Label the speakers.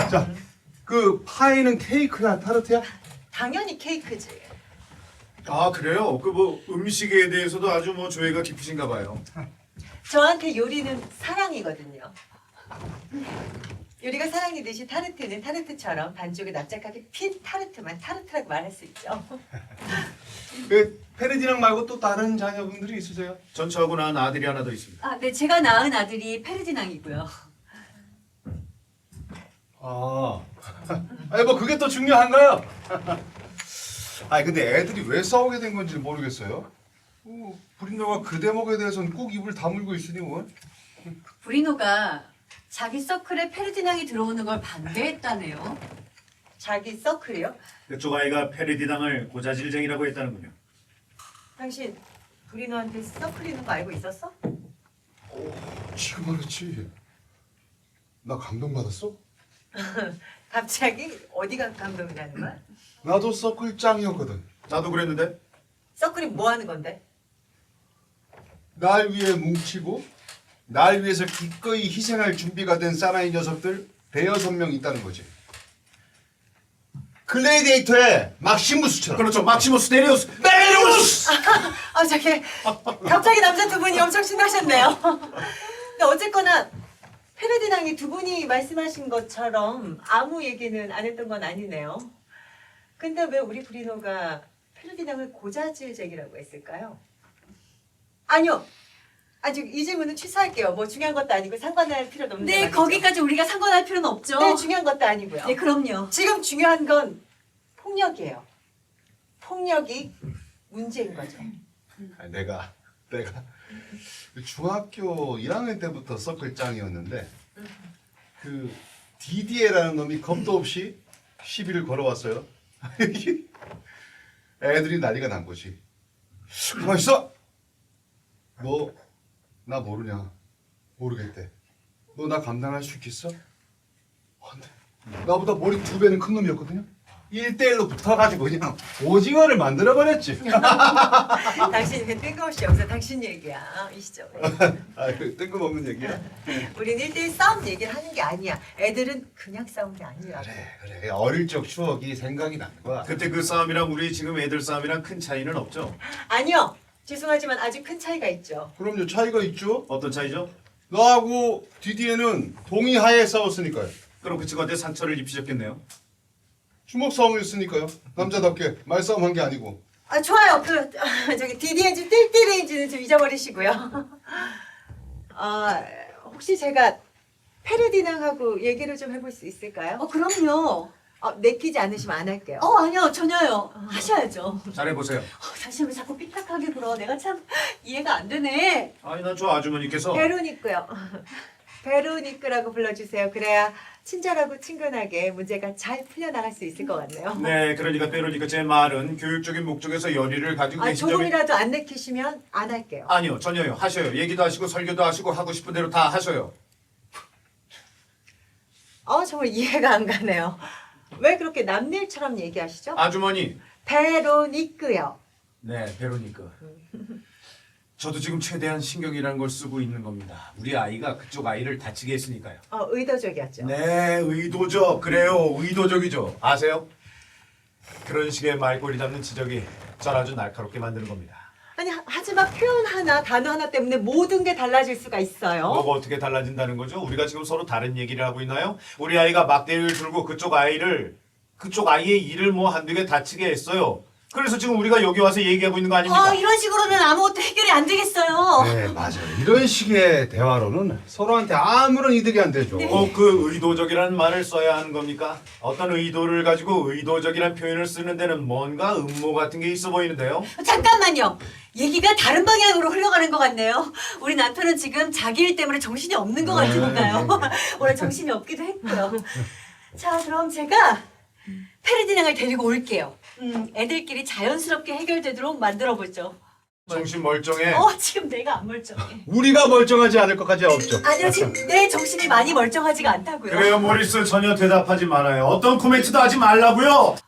Speaker 1: 자, 그 파이는 케이크야, 타르트야?
Speaker 2: 당연히 케이크지.
Speaker 3: 아 그래요? 그 뭐 음식에 대해서도 아주 뭐 조예가 깊으신가 봐요.
Speaker 2: 저한테 요리는 사랑이거든요. 요리가 사랑이듯이 타르트는 타르트처럼 반쪽에 납작하게 핀 타르트만 타르트라고 말할 수 있죠.
Speaker 1: 그 페르디낭 말고 또 다른 자녀분들이 있으세요?
Speaker 3: 전 저하고 낳은 아들이 하나 더 있습니다.
Speaker 4: 아, 네, 제가 낳은 아들이 페르디낭이고요.
Speaker 1: 아, 아니 뭐 그게 또 중요한가요? 아니 근데 애들이 왜 싸우게 된 건지 모르겠어요. 브린도가 그 대목에 대해서는 꼭 입을 다물고 있으니 뭐.
Speaker 4: 브리노가 자기 서클에 페르디낭이 들어오는 걸 반대했다네요.
Speaker 2: 자기 서클이요?
Speaker 3: 그쪽 아이가 페르디낭을 고자질쟁이라고 했다는군요.
Speaker 2: 당신 브리노한테 서클 있는 거 알고 있었어?
Speaker 1: 지금 알았지. 나 감동받았어?
Speaker 2: 갑자기 어디가 감동이 나는 거야?
Speaker 1: 나도 서클 짱이었거든.
Speaker 3: 나도 그랬는데.
Speaker 2: 서클이 뭐 하는 건데?
Speaker 1: 날 위해 뭉치고 날 위해서 기꺼이 희생할 준비가 된 사나이 녀석들 대여섯 명 있다는 거지. 글래디에이터의 막시무스처럼.
Speaker 3: 그렇죠. 막시무스 데리우스 메리우스.
Speaker 2: 아 저기 갑자기 남자 두 분이 엄청 신나셨네요. 근데 어쨌거나 페르디낭이 두 분이 말씀하신 것처럼 아무 얘기는 안 했던 건 아니네요. 근데 왜 우리 브리노가 페르디낭을 고자질쟁이라고 했을까요? 아니요. 아직 이 질문은 취소할게요. 뭐 중요한 것도 아니고 상관할 필요도 없는
Speaker 4: 네,
Speaker 2: 말이죠.
Speaker 4: 거기까지 우리가 상관할 필요는 없죠.
Speaker 2: 네, 중요한 것도 아니고요.
Speaker 4: 네, 그럼요.
Speaker 2: 지금 중요한 건 폭력이에요. 폭력이 문제인 거죠.
Speaker 1: 아니, 내가 중학교 1학년 때부터 서클 짱이었는데 그 디디에라는 놈이 겁도 없이 시비를 걸어왔어요. 애들이 난리가 난 거지. 가만 있어. 너 나 모르냐? 모르겠대. 너 나 감당할 수 있겠어? 근데 나보다 머리 2배는 큰 놈이었거든요. 1대1로 붙어가지고 그냥 오징어를 만들어버렸지.
Speaker 2: 당신이 그 뜬금없이 여기서 당신 얘기야. 이 시점에.
Speaker 1: 아, 그 뜬금없는 얘기야.
Speaker 2: 우린 1대1 싸움 얘기를 하는 게 아니야. 애들은 그냥 싸운 게 아니라고.
Speaker 1: 그래. 어릴 적 추억이 생각이 나는 거야.
Speaker 3: 그때 그 싸움이랑 우리 지금 애들 싸움이랑 큰 차이는 없죠.
Speaker 2: 아니요. 죄송하지만 아주 큰 차이가 있죠.
Speaker 1: 그럼요, 차이가 있죠.
Speaker 3: 어떤 차이죠?
Speaker 1: 너하고 디디에는 동의하에 싸웠으니까요.
Speaker 3: 그럼 그 친구한테 상처를 입히셨겠네요.
Speaker 1: 주먹 싸움을 했으니까요. 남자답게 말싸움 한 게 아니고.
Speaker 2: 아 좋아요. 그 저기 DDNG 띨띨레인지는 좀 잊어버리시고요. 혹시 제가 페르디낭하고 얘기를 좀 해볼 수 있을까요?
Speaker 4: 그럼요.
Speaker 2: 내키지 않으시면 안 할게요.
Speaker 4: 아니요, 전혀요. 하셔야죠.
Speaker 3: 잘해보세요.
Speaker 4: 당신 왜 자꾸 삐딱하게 굴어? 내가 참 이해가 안 되네.
Speaker 3: 아니 나 저 아주머니께서
Speaker 2: 베로니크요. 베로니크라고 불러주세요. 그래야 친절하고 친근하게 문제가 잘 풀려나갈 수 있을 것 같네요.
Speaker 3: 네 그러니까 빼로니까 제 말은 교육적인 목적에서 열의를 가지고 계신 점이
Speaker 2: 조금이라도 안 내키시면 안 할게요.
Speaker 3: 아니요 전혀요. 하셔요. 얘기도 하시고 설교도 하시고 하고 싶은 대로 다 하셔요.
Speaker 2: 정말 이해가 안 가네요. 왜 그렇게 남일처럼 얘기하시죠?
Speaker 3: 아주머니.
Speaker 2: 베로니크요.
Speaker 3: 네 베로니까. 저도 지금 최대한 신경이라는 걸 쓰고 있는 겁니다. 우리 아이가 그쪽 아이를 다치게 했으니까요.
Speaker 2: 의도적이었죠.
Speaker 3: 네 의도적. 그래요 의도적이죠. 아세요? 그런 식의 말꼬리 잡는 지적이 전 아주 날카롭게 만드는 겁니다.
Speaker 2: 아니 하지만 표현 하나 단어 하나 때문에 모든 게 달라질 수가 있어요.
Speaker 3: 뭐가 어떻게 달라진다는 거죠? 우리가 지금 서로 다른 얘기를 하고 있나요? 우리 아이가 막대기를 들고 그쪽 아이의 일을 뭐 한두 개 다치게 했어요. 그래서 지금 우리가 여기 와서 얘기하고 있는 거 아닙니까?
Speaker 4: 이런 식으로는 아무것도 해결이 안 되겠어요.
Speaker 1: 네, 맞아요. 이런 식의 대화로는 서로한테 아무런 이득이 안 되죠.
Speaker 3: 그 의도적이라는 말을 써야 하는 겁니까? 어떤 의도를 가지고 의도적이라는 표현을 쓰는 데는 뭔가 음모 같은 게 있어 보이는데요.
Speaker 4: 잠깐만요. 얘기가 다른 방향으로 흘러가는 것 같네요. 우리 남편은 지금 자기 일 때문에 정신이 없는 것 같으니까요. 원래 정신이 없기도 했고요. 자, 그럼 제가 페르디낭을 데리고 올게요. 애들끼리 자연스럽게 해결되도록 만들어보죠.
Speaker 3: 정신 멀쩡해.
Speaker 4: 지금 내가 안 멀쩡해.
Speaker 1: 우리가 멀쩡하지 않을 것까지 없죠.
Speaker 4: 아니요, 지금 내 정신이 많이 멀쩡하지가 않다고요.
Speaker 3: 그래요 모리스 전혀 대답하지 말아요. 어떤 코멘트도 하지 말라고요.